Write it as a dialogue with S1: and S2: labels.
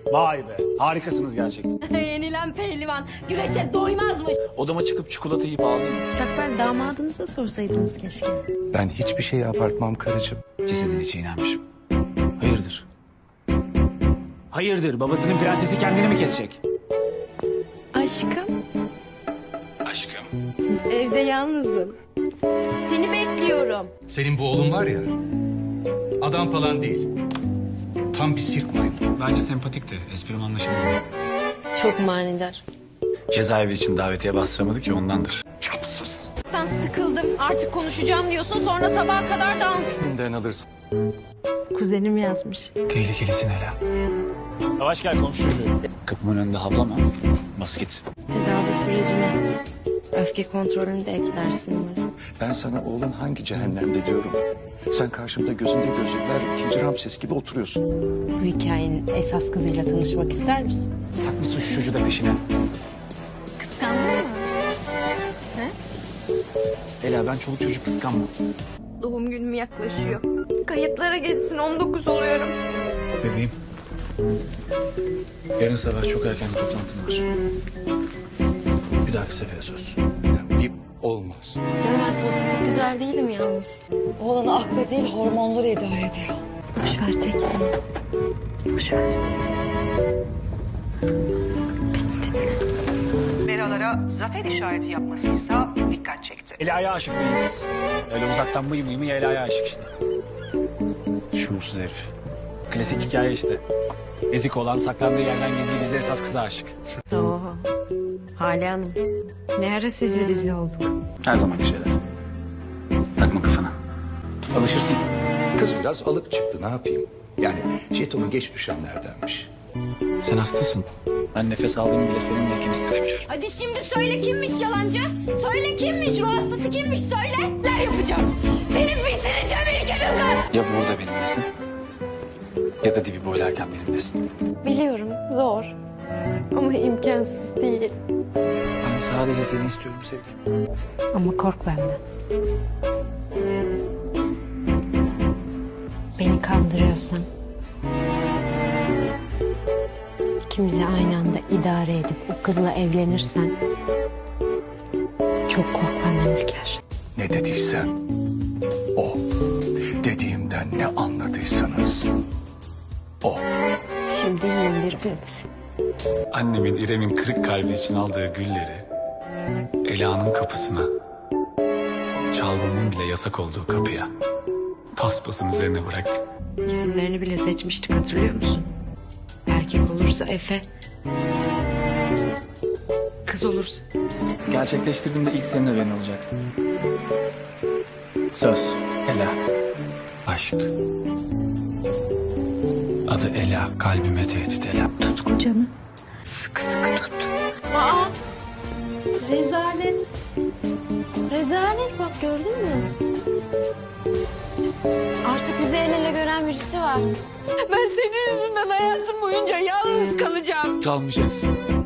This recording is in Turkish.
S1: Vay be, harikasınız gerçekten.
S2: Yenilen pehlivan güreşe doymazmış.
S1: Odama çıkıp çikolata yiyip ağlayayım.
S2: Takbel damadınıza sorsaydınız keşke.
S3: Ben hiçbir şeyi abartmam karıcığım.
S1: Cesedini çiğnermişim. Hayırdır? Hayırdır, babasının prensesi kendini mi kesecek?
S2: Aşkım,
S1: Aşkım.
S2: evde yalnızım. Seni bekliyorum.
S4: Senin bu oğlun var ya, adam falan değil. Tam bir sirk maymun.
S1: Bence sempatikti, esprim anlaşıldı.
S2: Çok manidar.
S1: Cezaevi için davetiye bastıramadı ki ondandır.
S3: Çapsız.
S2: Sıkıldım. Artık konuşacağım diyorsun, sonra sabaha kadar dans.
S3: Elinden alırsın.
S2: Kuzenim yazmış.
S1: Tehlikelisin Ela. Yavaş gel komşu çocuğu. Kapımın önünde havlama. Bas git.
S2: Tedavi sürecine öfke kontrolünü de eklersin umarım.
S3: Ben sana oğlun hangi cehennemde diyorum. Sen karşımda gözünde gözlükler ikinci Ramses gibi oturuyorsun.
S2: Bu hikayenin esas kızıyla tanışmak ister misin?
S1: Takmışsın şu çocuğu da peşine.
S2: Kıskandın mı?
S1: Ela ben çoluk çocuk kıskanmam.
S2: Doğum günüm yaklaşıyor. Kayıtlara geçsin, 19 oluyorum.
S1: Bebeğim. Yarın sabah çok erken bir toplantım var. Bir dahaki sefere söz.
S3: Bir olmaz.
S2: Canım ben sosyetik güzel değilim yalnız.
S5: Oğlanı aklı değil hormonları idare ediyor.
S2: Boş ver tek. Boş ver.
S6: Beralara zafer işareti yapmasıysa dikkat çekti.
S1: Ela'ya aşık beyinsiz. Öyle uzaktan mıy mıy mıy Ela'ya aşık işte. Şuursuz herif. Klasik hikaye işte. Ezik olan saklandığı yerden gizli gizli esas kıza aşık.
S2: Oo. Hale Hanım. Ne ara sizli bizli olduk.
S1: Her zamanki şeyler. Takma kafana. Alışırsın.
S3: Kız biraz alık çıktı, ne yapayım? Yani jetonu geç düşenlerdenmiş.
S1: Sen hastasın. Ben nefes aldığımı bile seninleyken hissedebiliyorum.
S2: Hadi şimdi söyle kimmiş yalancı? Söyle kimmiş, ruh hastası kimmiş söyle. Neler yapacağım? Senin bitireceğim İlker Ilgaz.
S1: Ya burada benimlesin ya da dibi boylarken benimlesin.
S2: Biliyorum zor ama imkansız değil.
S1: Ben sadece seni istiyorum sevgilim.
S2: Ama kork benden. Beni kandırıyorsan... ikimizi aynı anda idare edip o kızla evlenirsen... çok kork benden İlker.
S3: Ne dediysem o. Dediğimden ne anladıysanız o.
S2: Şimdi yiyin birbirinizi.
S1: Annemin İrem'in kırık kalbi için aldığı gülleri Ela'nın kapısına, çalmamın bile yasak olduğu kapıya paspasın üzerine bıraktım.
S2: İsimlerini bile seçmiştik, hatırlıyor musun? Erkek olursa Efe. Kız olursa.
S1: Gerçekleştirdiğimde ilk seninle ben olacak. Söz, Ela, aşk. Adı Ela, kalbime tehdit Ela.
S2: Tut kocanı. Sıkı sıkı tut. Aa! Rezalet. Rezalet bak, gördün mü? Artık bizi el ele gören birisi var.
S5: Ben senin yüzünden hayatım boyunca yalnız kalacağım.
S1: Kalmayacaksın.